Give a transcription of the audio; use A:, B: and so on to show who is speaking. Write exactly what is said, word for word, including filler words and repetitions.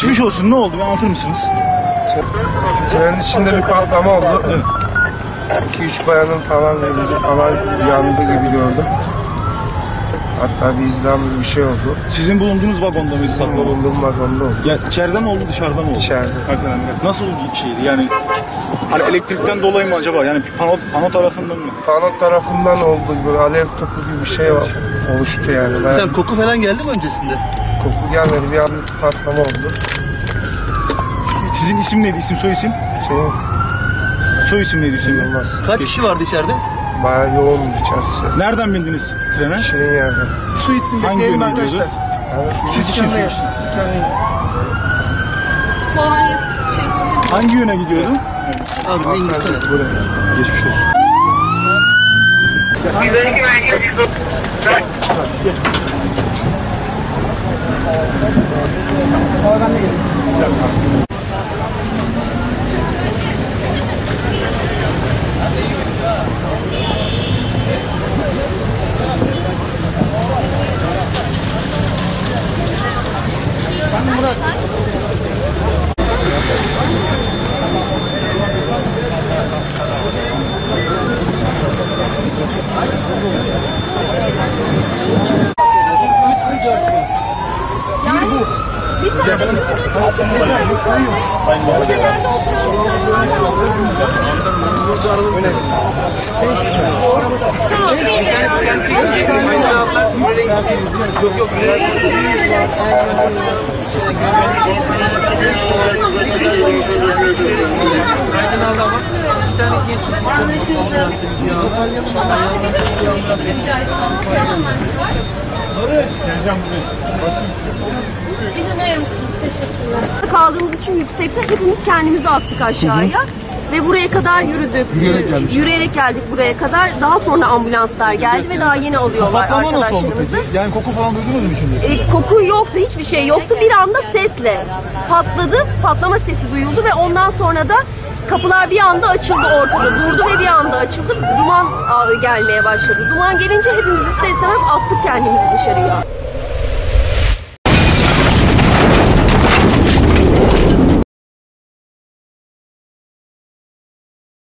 A: Geçmiş olsun. Ne oldu? Bir anlatır mısınız?
B: Trenin içinde bir patlama oldu. Evet. iki üç bayanın falan gözü falan yandı gibi gördüm. Hatta bir izlem bir şey oldu.
A: Sizin bulunduğunuz vagonda mıydı?
B: Bizim bulunduğum vagonda oldu.
A: Ya içeride mi oldu, dışarıda mı oldu?
B: İçeride.
A: Nasıl bir şeydi yani? Hani elektrikten dolayı mı acaba? Yani pano, pano tarafından mı?
B: Pano tarafından oldu. Böyle alev topu gibi bir şey var. Oluştu yani. Ben...
C: Sen koku falan geldi mi öncesinde?
B: Koku gelmedi. Bir an patlama oldu.
A: Sizin isim neydi? İsim, soy isim?
B: Hüseyin
A: Soy isim neydi Hüseyin?
B: Yılmaz.
C: Kaç kişi vardı içeride?
B: Bayağı yoğun içerisi.
A: Nereden bindiniz trene?
B: Şirin yerden.
A: Su içsin. Hangi yöne gidiyordu?
B: Evet.
A: Siz için su için.
D: Kolay şey.
A: Hangi yöne gidiyordu?
C: Abi ne İngilizce?
A: Geçmiş olsun.
D: İzin verir misiniz? Teşekkürler.
E: Kaldığımız için yüksekte hepimiz kendimizi attık aşağıya. Hı hı. Ve buraya kadar yürüdük.
A: Yürüyerek geldik.
E: Yürüyerek geldik buraya kadar. Daha sonra ambulanslar geldi ve daha yeni alıyorlar
A: Patlama nasıl oldu
E: arkadaşlarımızı.
A: peki? Yani koku falan duydunuz mu içinde?
E: E, koku yoktu, hiçbir şey yoktu. Bir anda sesle patladı, patlama sesi duyuldu ve ondan sonra da kapılar bir anda açıldı ortada. Durdu ve bir anda açıldı. Duman gelmeye başladı. Duman gelince hepimiz ister istemez attık kendimizi dışarıya.